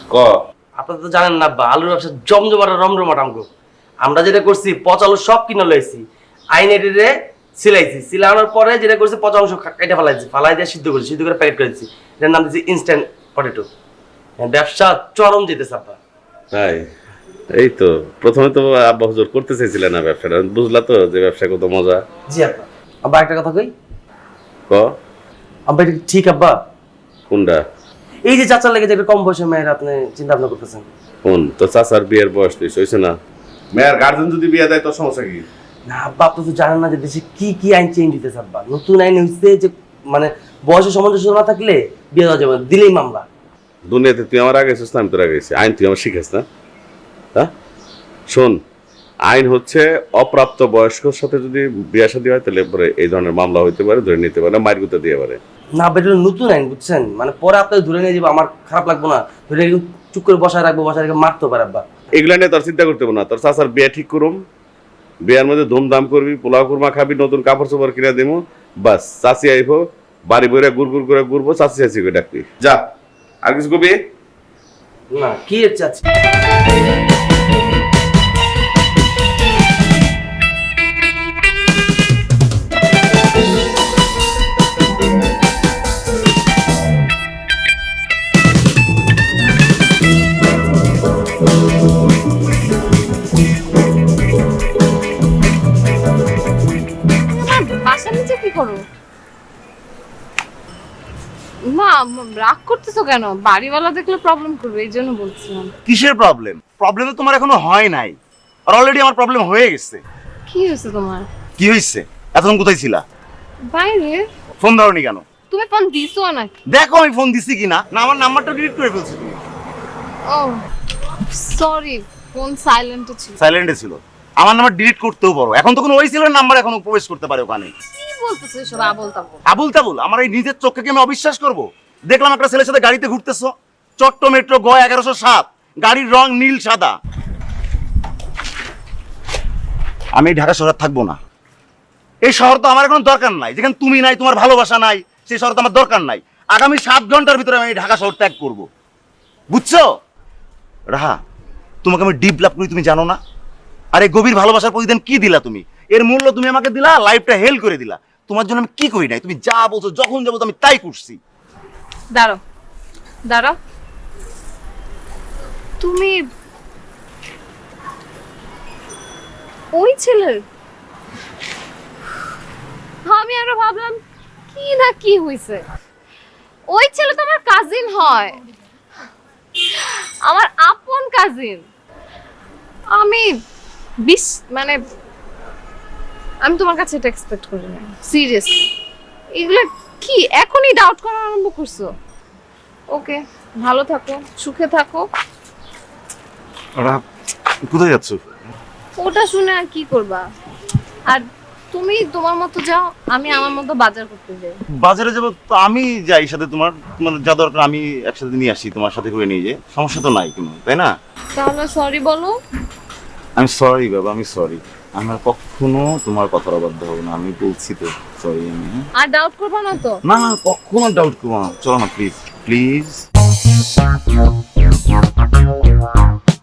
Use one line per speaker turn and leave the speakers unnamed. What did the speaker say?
ক।
আপনারা তো জানেন না আব্বা, আলুর ব্যবসা জমজমাটা রমরমাটা আমগো। আমরা যেটা করছি পচা আলু সব কিনে লইছি, আইনেরে সিলাইছি, সিলানোর পরে যেটা করছি পচা অংশ কেটে ফেলাইছি, ফালাই দিয়ে সিদ্ধ করেছি, সিদ্ধ করে প্যাকেট করে দিচ্ছি। এটার নাম দিচ্ছি ইনস্ট্যান্ট পটেটো। ব্যবসা চরম যেতেছে আব্বা।
তাই এই তো প্রথমে তো আব্বা হুজুর করতে চাইছিলেন না ব্যবসাটা, বুঝলা তো যে ব্যবসা কত মজা।
জি আব্বা। আব্বা একটা কথা কই।
ক।
আব্বা এটা ঠিক আব্বা?
কোনটা?
এই যে চাচার লেগে যে একটা কম বয়সের মেয়ের আপনি চিন্তা ভাবনা করতেছেন।
কোন তো চাচার বিয়ের বয়স তুই হয়েছে না? মেয়ের গার্জেন যদি বিয়ে দেয় তোর সমস্যা কি?
না আব্বা, আপনি তো জানেন না যে দেশে কি কি আইন চেঞ্জ হইতেছে আব্বা। নতুন আইন হইছে যে মানে বয়সের সামঞ্জস্য না থাকলে বিয়ে দেওয়া যাবে না, দিলেই মামলা।
দুনিয়াতে তুই আমার আগে এসেছিস না আমি তোর আগে এসেছি, আইন তুই আমার শিখাস না? হ্যাঁ শোন, আইন হচ্ছে অপ্রাপ্ত বয়স্কর সাথে যদি বিয়ে শাদী হয় তাহলে পরে এই ধরনের মামলা হইতে পারে, ধরে নিতে পারে, মাইর গুঁতো দিয়ে পারে।
না বেটা, নতুন আইন বুঝছেন, মানে পরে আপনাকে ধরে নিয়ে যাবো, আমার খারাপ লাগবো না, ধরে চুপ করে বসায় রাখবো, বসায় রেখে মারতে পারে আব্বা।
এগুলা নিয়ে তোর চিন্তা করতে হবে না, তোর চাচার বিয়ে ঠিক করুম, বিয়ের মধ্যে ধুমধাম করবি, পোলাও কুরমা খাবি, নতুন কাপড় চোপড় কিনে দেবো, বাস চাচি আইবো, বাড়ি বইরে গুড় করে ঘুরবো, চাচি চাচি করে ডাকবি, যা। আর কিছু কবি
না কি চাচ্ছি।
বাসার নিচে কি করো? মা রাগ করতেছো কেন? বাড়িওয়ালা দেখলে প্রবলেম করবে, এই জন্য বলছিলাম।
কিসের প্রবলেম? প্রবলেম তো তোমার এখনো হয় নাই, আর অলরেডি আমার প্রবলেম হয়ে গেছে।
কি হয়েছে তোমার?
কি হয়েছে? এতক্ষণ কোথায় ছিলা?
বাইরে।
ফোন ধরনি কেন?
তুমি ফোন দিছো নাকি?
দেখো আমি ফোন দিছি কিনা। না আমার নাম্বারটা ডিলিট করে ফেলছি তুমি।
ও সরি, ফোন সাইলেন্টে ছিল।
সাইলেন্টে ছিল? আমার নাম্বার ডিলিট করতেও পারো, এখন তো কোনো ওই ছিল নাম্বার এখনো প্রবেশ করতে পারে ওখানে।
কি বলতেছো এসব আবোল তাবোল?
আবুল তাবুল? আমার এই নিজের চোখকে কি আমি অবিশ্বাস করবো? দেখলাম একটা ছেলের সাথে গাড়িতে ঘুরতেছো, চট্ট মেট্রো গ 1107, গাড়ির রং নীল সাদা। আমি এই ঢাকা শহরে থাকবো না। এই শহর তো আমার এখন দরকার নাই, যেখানে তুমি নাই, তোমার ভালোবাসা নাই, সেই শহর তো আমার দরকার নাই। আগামী 7 ঘন্টার ভিতরে আমি এই ঢাকা শহর ত্যাগ করবো, বুঝছো? রাহা, তোমাকে আমি ডিপ লাভ করি তুমি জানো না? আর এই গভীর ভালোবাসার প্রতিদিন কি দিলা তুমি? এর মূল্য তুমি আমাকে দিলা, লাইফটা হেল করে দিলা। তোমার জন্য আমি কি করি নাই? তুমি যা বলছো, যখন যাবো আমি তাই করছি।
দাঁড়াও দাঁড়াও, তুমি ওই ছেলের? আমি আরো ভাবলাম কি না কি হইছে। ওই ছেলে তো আমার কাজিন হয়, আমার আপন কাজিন। আমি মানে আমি তোমার কাছে এটা এক্সপেক্ট করি না, সিরিয়াসলি। এগুলো কি এখনই ডাউট করা আরম্ভ করছো? ওকে, ভালো থাকো, সুখে থাকো।
কোথায় যাচ্ছ?
ওটা শুনে আর কি করবা? আর তুমি তোমার মতো যাও, আমি আমার মতো বাজার করতে যাই।
বাজারে যাবো তো আমি যাই সাথে, তোমার তোমার যা দরকার আমি একসাথে নিয়ে আসি, তোমার সাথে করে নিয়ে যাই, সমস্যা তো নাই কোনো, তাই না?
তাহলে সরি বলো।
আমি সরি বাবা, আমি সরি। আমার কখনো তোমার কথার অবাধ্য হবো না, আমি বলছি তো সরি। আমি
আর ডাউট করবা না তো?
না না, কখনো ডাউট করবো না। চলো না প্লিজ প্লিজ।